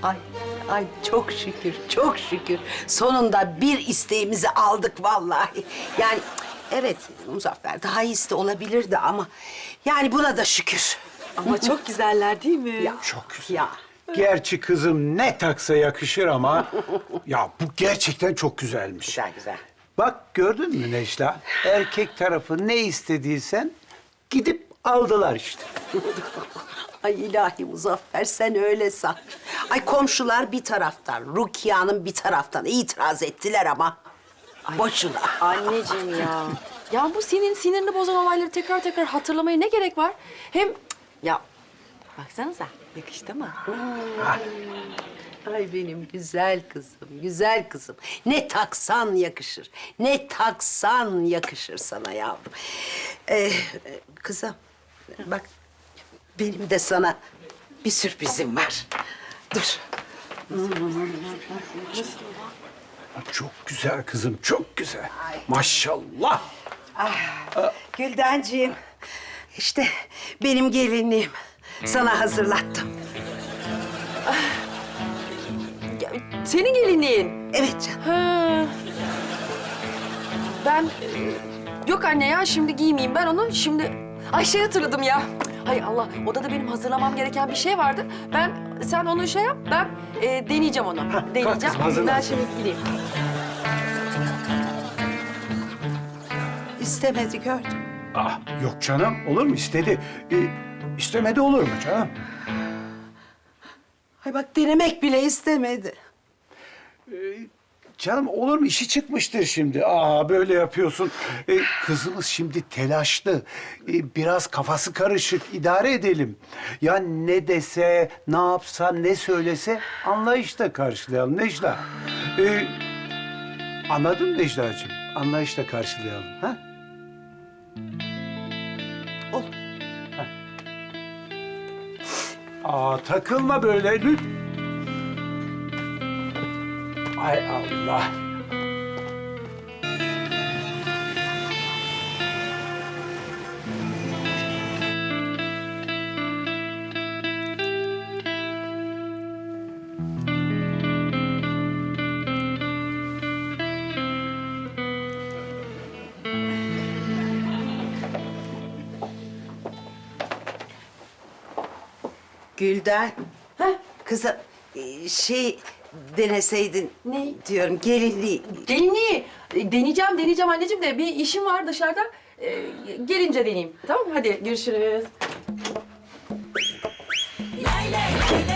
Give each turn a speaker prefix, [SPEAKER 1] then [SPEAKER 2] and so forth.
[SPEAKER 1] Ay, ay çok şükür, çok şükür. Sonunda bir isteğimizi aldık vallahi. Yani evet Muzaffer daha iyisi de olabilirdi ama yani buna da şükür.
[SPEAKER 2] Ama çok güzeller değil mi?
[SPEAKER 1] Ya,
[SPEAKER 3] Çok güzel.
[SPEAKER 1] ya.
[SPEAKER 3] Gerçi kızım ne taksa yakışır ama ya bu gerçekten çok güzelmiş.
[SPEAKER 1] Güzel güzel.
[SPEAKER 3] Bak gördün mü Necla? Erkek tarafı ne istediysen gidip aldılar işte.
[SPEAKER 1] Ay ilahi Muzaffer sen öyle san. Ay komşular bir taraftan, Rukiye Hanım bir taraftan itiraz ettiler ama boşuna.
[SPEAKER 2] Anneciğim ya. Ya bu senin sinirini bozan olayları tekrar tekrar hatırlamaya ne gerek var? Hem ya baksanıza yakıştı mı?
[SPEAKER 1] Ay benim güzel kızım, güzel kızım. Ne taksan yakışır, ne taksan yakışır sana yavrum. Kızım, bak benim de sana bir sürprizim var. Dur.
[SPEAKER 3] Çok güzel kızım, çok güzel. Maşallah.
[SPEAKER 1] Güldenciğim, işte benim gelinliğim. Sana hazırlattım.
[SPEAKER 2] Ya, senin gelinliğin.
[SPEAKER 1] Evet canım.
[SPEAKER 2] Ha. Ben yok anne ya şimdi giymeyeyim ben onu şimdi. Ay şey hatırladım ya. Hay Allah odada benim hazırlamam gereken bir şey vardı. Sen onu şey yap ben deneyeceğim onu.
[SPEAKER 3] kalk
[SPEAKER 2] Deneyeceğim.
[SPEAKER 3] kızım, hazırlan.
[SPEAKER 2] Ben şimdi gideyim.
[SPEAKER 1] İstemedi gördüm.
[SPEAKER 3] Ah, yok canım, olur mu? İstedi. İstemedi olur mu canım?
[SPEAKER 1] Ay bak denemek bile istemedi.
[SPEAKER 3] Canım olur mu? İşi çıkmıştır şimdi. Aa böyle yapıyorsun. Kızımız şimdi telaşlı. Biraz kafası karışık. İdare edelim. Ya ne dese, ne yapsa, ne söylese anlayışla karşılayalım Necla. Anladın mı Necla'cığım? Anlayışla karşılayalım. Ha?
[SPEAKER 1] Olur.
[SPEAKER 3] Aa takılma böyle lütfen. Ay Allah.
[SPEAKER 1] Gülden.
[SPEAKER 2] Heh.
[SPEAKER 1] Kızım şey deneseydin.
[SPEAKER 2] Ne?
[SPEAKER 1] Diyorum gelinliği.
[SPEAKER 2] Gelinliği deneyeceğim anneciğim de bir işim var dışarıda. Gelince deneyeyim. Tamam mı? Hadi görüşürüz.
[SPEAKER 4] Lay lay lay lay.